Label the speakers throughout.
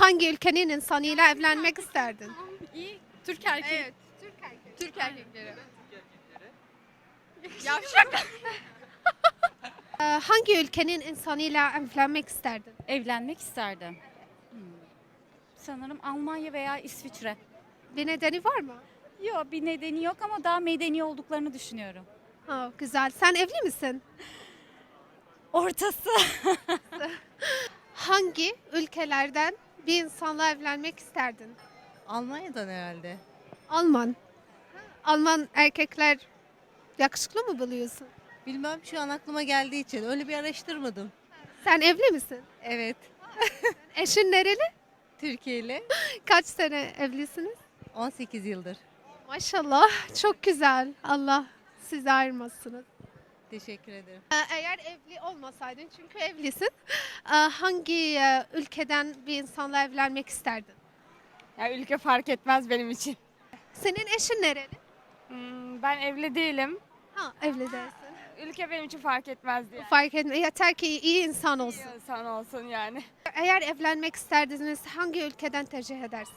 Speaker 1: Hangi ülkenin insanıyla evlenmek isterdin?
Speaker 2: İyi. Türk erkeği.
Speaker 1: Evet. Türk erkek.
Speaker 2: Türk erkekleri. Yavşak.
Speaker 1: Hangi ülkenin insanıyla evlenmek isterdin?
Speaker 2: Evlenmek isterdim. Sanırım Almanya veya İsviçre.
Speaker 1: Bir nedeni var mı?
Speaker 2: Yok, bir nedeni yok ama daha medeni olduklarını düşünüyorum.
Speaker 1: Ha, güzel. Sen evli misin?
Speaker 2: Ortası.
Speaker 1: Hangi ülkelerden bir insanla evlenmek isterdin?
Speaker 3: Almanya'dan herhalde.
Speaker 1: Alman. Alman erkekler yakışıklı mı buluyorsun?
Speaker 3: Bilmem şu an aklıma geldiği için öyle bir araştırmadım.
Speaker 1: Sen evli misin?
Speaker 3: Evet.
Speaker 1: Eşin nereli?
Speaker 3: Türkiye ile
Speaker 1: Kaç sene evlisiniz?
Speaker 3: 18 yıldır.
Speaker 1: Maşallah çok güzel. Allah sizi ayırmasın.
Speaker 3: Teşekkür ederim.
Speaker 1: Eğer evli olmasaydın çünkü evlisin. Hangi ülkeden bir insanla evlenmek isterdin?
Speaker 4: Ya ülke fark etmez benim için.
Speaker 1: Senin eşin nereli?
Speaker 4: Ben evli değilim.
Speaker 1: Ha, evli değilsin.
Speaker 4: Ülke benim için fark etmez diye.
Speaker 1: Fark etme. Yeter ki iyi insan olsun.
Speaker 4: İyi insan olsun yani.
Speaker 1: Eğer evlenmek isterdiniz hangi ülkeden tercih edersin?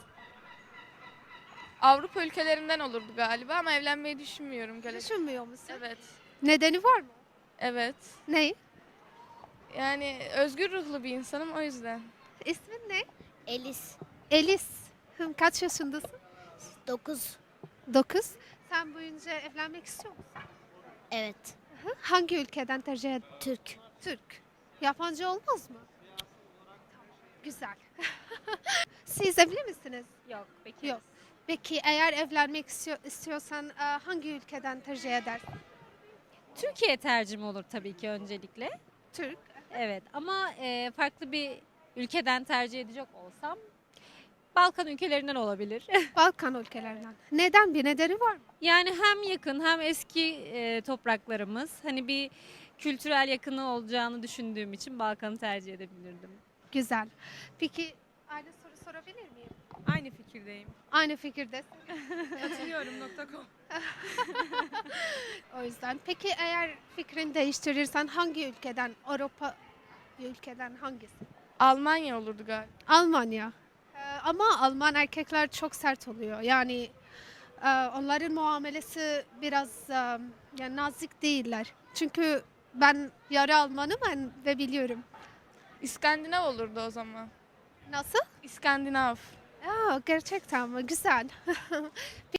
Speaker 5: Avrupa ülkelerinden olurdu galiba ama evlenmeyi düşünmüyorum.
Speaker 1: Düşünmüyor musun?
Speaker 5: Evet.
Speaker 1: Nedeni var mı?
Speaker 5: Evet.
Speaker 1: Ne?
Speaker 5: Yani özgür ruhlu bir insanım o yüzden.
Speaker 1: İsmin ne?
Speaker 6: Elis
Speaker 1: Elis. Kaç yaşındasın?
Speaker 6: 9.
Speaker 1: 9. Sen büyüyünce evlenmek istiyor musun?
Speaker 6: Evet.
Speaker 1: Hangi ülkeden tercih edersin?
Speaker 6: Türk.
Speaker 1: Türk. Yabancı olmaz mı? Güzel. Siz evli misiniz?
Speaker 2: Yok, peki.
Speaker 1: Yok. Peki eğer evlenmek istiyorsan hangi ülkeden tercih edersin?
Speaker 7: Türkiye tercihim olur tabii ki öncelikle.
Speaker 1: Türk.
Speaker 7: Evet ama farklı bir ülkeden tercih edecek olsam Balkan ülkelerinden olabilir.
Speaker 1: Balkan ülkelerinden. Neden? Bir nedeni var mı?
Speaker 7: Yani hem yakın hem eski topraklarımız. Hani bir kültürel yakını olacağını düşündüğüm için Balkan'ı tercih edebilirdim.
Speaker 1: Güzel. Peki aynı soru sorabilir miyim?
Speaker 4: Aynı fikirdeyim.
Speaker 1: Aynı fikirdesin.
Speaker 4: Katılıyorum.com.
Speaker 1: O yüzden. Peki eğer fikrini değiştirirsen hangi ülkeden, Avrupa ülkeden hangisi?
Speaker 5: Almanya olurdu galiba.
Speaker 1: Almanya. Ama Alman erkekler çok sert oluyor. Yani onların muamelesi biraz yani nazik değiller. Çünkü ben yarı Almanım ve biliyorum.
Speaker 5: İskandinav olurdu o zaman.
Speaker 1: Nasıl?
Speaker 5: İskandinav.
Speaker 1: Aa, gerçekten mi? Güzel.